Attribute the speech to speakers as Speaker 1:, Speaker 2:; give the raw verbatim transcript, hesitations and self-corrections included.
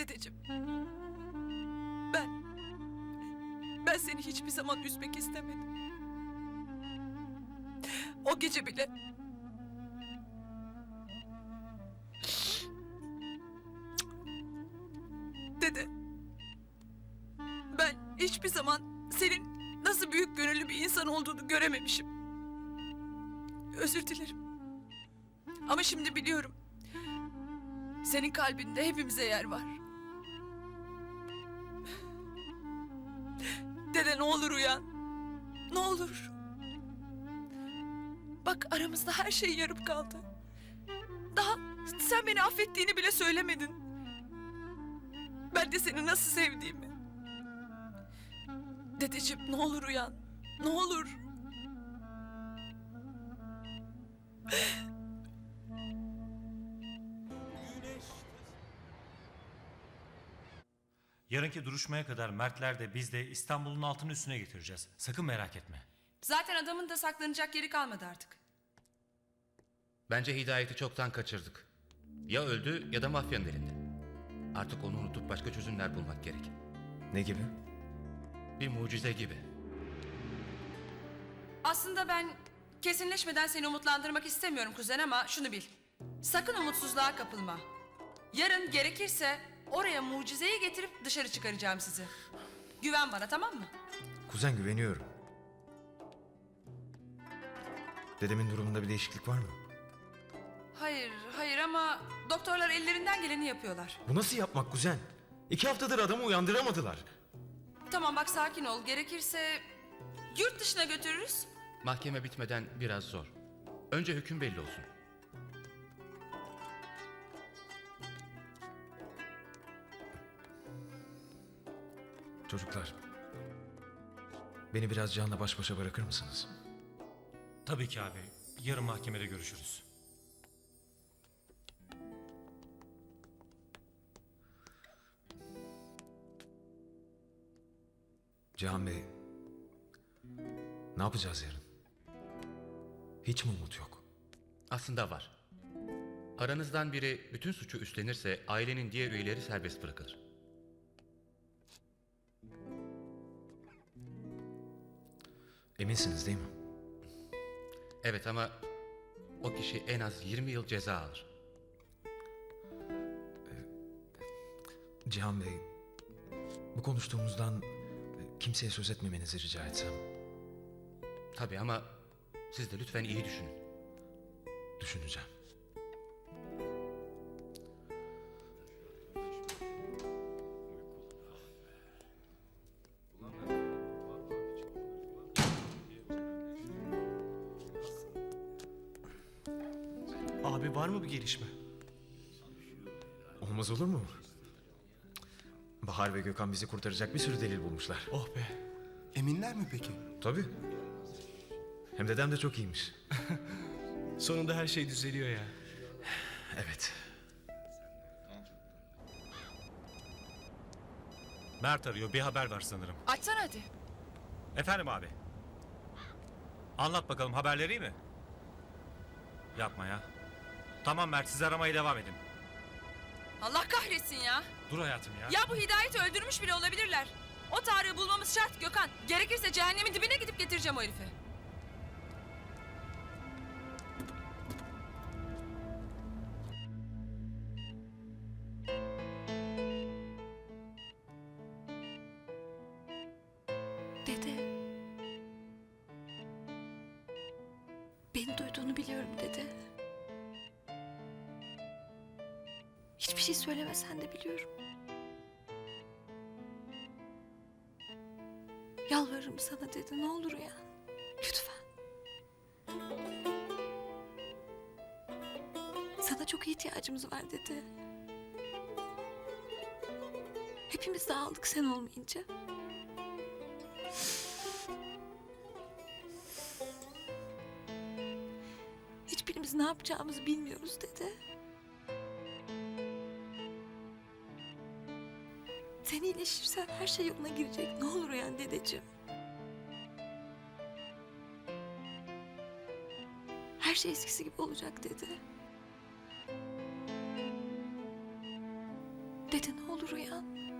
Speaker 1: Dedeciğim. Ben... Ben seni hiçbir zaman üzmek istemedim. O gece bile... Dede... Ben hiçbir zaman senin nasıl büyük gönüllü bir insan olduğunu görememişim. Özür dilerim. Ama şimdi biliyorum. Senin kalbinde hepimize yer var. Dede ne olur uyan. Ne olur. Bak aramızda her şey yarım kaldı. Daha sen beni affettiğini bile söylemedin. Ben de seni nasıl sevdiğimi. Dedeciğim ne olur uyan. Ne olur.
Speaker 2: Yarınki duruşmaya kadar Mertler de biz de İstanbul'un altını üstüne getireceğiz. Sakın merak etme.
Speaker 3: Zaten adamın da saklanacak yeri kalmadı artık.
Speaker 4: Bence Hidayet'i çoktan kaçırdık. Ya öldü ya da mafyanın elinde. Artık onu unutup başka çözümler bulmak gerek.
Speaker 5: Ne gibi?
Speaker 4: Bir mucize gibi.
Speaker 3: Aslında ben kesinleşmeden seni umutlandırmak istemiyorum kuzen ama şunu bil. Sakın umutsuzluğa kapılma. Yarın gerekirse oraya mucizeyi getirip dışarı çıkaracağım sizi. Güven bana, tamam mı?
Speaker 5: Kuzen, güveniyorum. Dedemin durumunda bir değişiklik var mı?
Speaker 3: Hayır, hayır ama doktorlar ellerinden geleni yapıyorlar.
Speaker 5: Bu nasıl yapmak kuzen? İki haftadır adamı uyandıramadılar.
Speaker 3: Tamam bak, sakin ol. Gerekirse yurt dışına götürürüz.
Speaker 4: Mahkeme bitmeden biraz zor. Önce hüküm belli olsun.
Speaker 5: Çocuklar, beni biraz Can'la baş başa bırakır mısınız?
Speaker 2: Tabii ki abi. Yarın mahkemede görüşürüz.
Speaker 5: Cihan Bey, ne yapacağız yarın? Hiç mi umut yok?
Speaker 4: Aslında var. Aranızdan biri bütün suçu üstlenirse ailenin diğer üyeleri serbest bırakılır.
Speaker 5: Eminsiniz değil mi?
Speaker 4: Evet ama o kişi en az yirmi yıl ceza alır.
Speaker 5: Cihan Bey, bu konuştuğumuzdan kimseye söz etmemenizi rica etsem.
Speaker 4: Tabii ama siz de lütfen iyi düşünün.
Speaker 5: Düşüneceğim.
Speaker 6: Abi var mı bir gelişme?
Speaker 5: Olmaz olur mu? Bahar ve Gökhan bizi kurtaracak bir sürü delil bulmuşlar.
Speaker 6: Oh be. Eminler mi peki?
Speaker 5: Tabii. Hem dedem de çok iyiymiş.
Speaker 6: Sonunda her şey düzeliyor ya.
Speaker 5: Evet.
Speaker 2: Mert arıyor. Bir haber var sanırım.
Speaker 3: Açsana hadi.
Speaker 2: Efendim abi. Anlat bakalım, haberleri iyi mi? Yapma ya. Tamam Mert, siz aramaya devam edin.
Speaker 3: Allah kahretsin ya.
Speaker 2: Dur hayatım ya.
Speaker 3: Ya bu Hidayet'i öldürmüş bile olabilirler. O Tarık'ı bulmamız şart Gökhan. Gerekirse cehennemin dibine gidip getireceğim o herifi.
Speaker 7: Dede. Beni duyduğunu biliyorum dede. Hiçbir şey söylemesen de biliyorum. Yalvarırım sana dede, ne olur uyan. Lütfen. Sana çok ihtiyacımız var dede. Hepimiz dağıldık sen olmayınca. Hiçbirimiz ne yapacağımızı bilmiyoruz dede. Sen iyileşirsen her şey yoluna girecek. Ne olur uyan dedeciğim. Her şey eskisi gibi olacak dede. Dede ne olur uyan.